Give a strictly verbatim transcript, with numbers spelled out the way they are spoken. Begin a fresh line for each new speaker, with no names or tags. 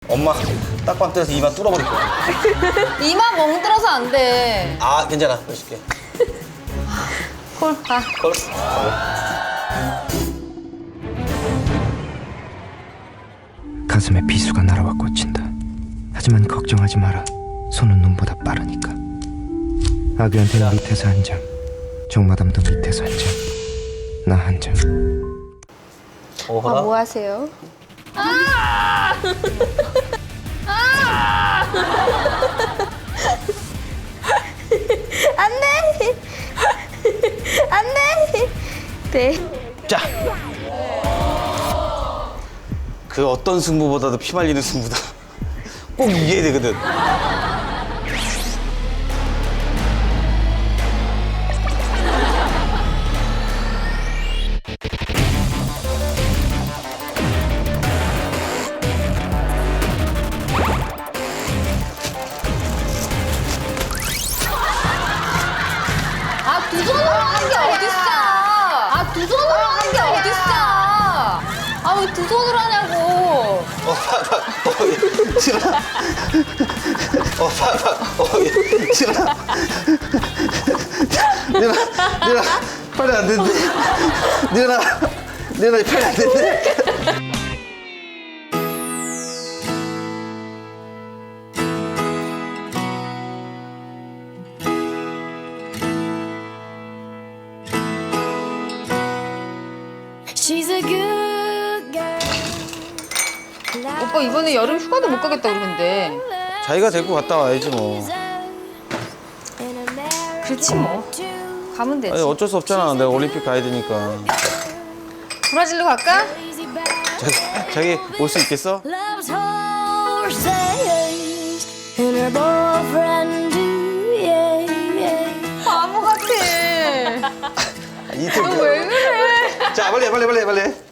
엄마 딱밤 때려서 이마 뚫어버릴 거야.
이마 멍들어서 안 돼.
아 괜찮아, 보여줄게.
콜, 가.
걸.
가슴에 비수가 날아와 꽂힌다. 하지만 걱정하지 마라. 손은 눈보다 빠르니까. 아귀한테는 밑에서 한 장, 정마담도 밑에서 한 장, 나 한 장.
어,
아,
봐라.
뭐 하세요? 아! 아! 안 돼! 안 돼! 네.
자. 그 어떤 승부보다도 피 말리는 승부다. 꼭 이겨야 되거든.
아, 두 손으로 하는 게 어딨어! 아, 두 손으로 하는 게 어딨어! 아, 왜 두 손으로 하냐고!
어, 봐, 봐. 어, 예. 싫어. 어, 봐, 봐. 어, 예. 싫어. 내가, 내가 팔이 안 된대. 내가, 내가 팔이 안 된대.
She's a good girl.
오빠 이번에 여름 휴가도 못 가겠다 그러는데.
자기가 데리고 갔다 와야지 뭐.
그렇지 뭐. 가면 되지.
아니 어쩔 수 없잖아. 내가 올림픽 가야 되니까.
브라질로 갈까?
자기, 자기 올 수 있겠어?
Loves horses and her boyfriend too. Yeah, yeah.
바보 같아.
이틀.
너 왜 그래?
자 빨리 해, 빨리 빨리 해, 빨리 해.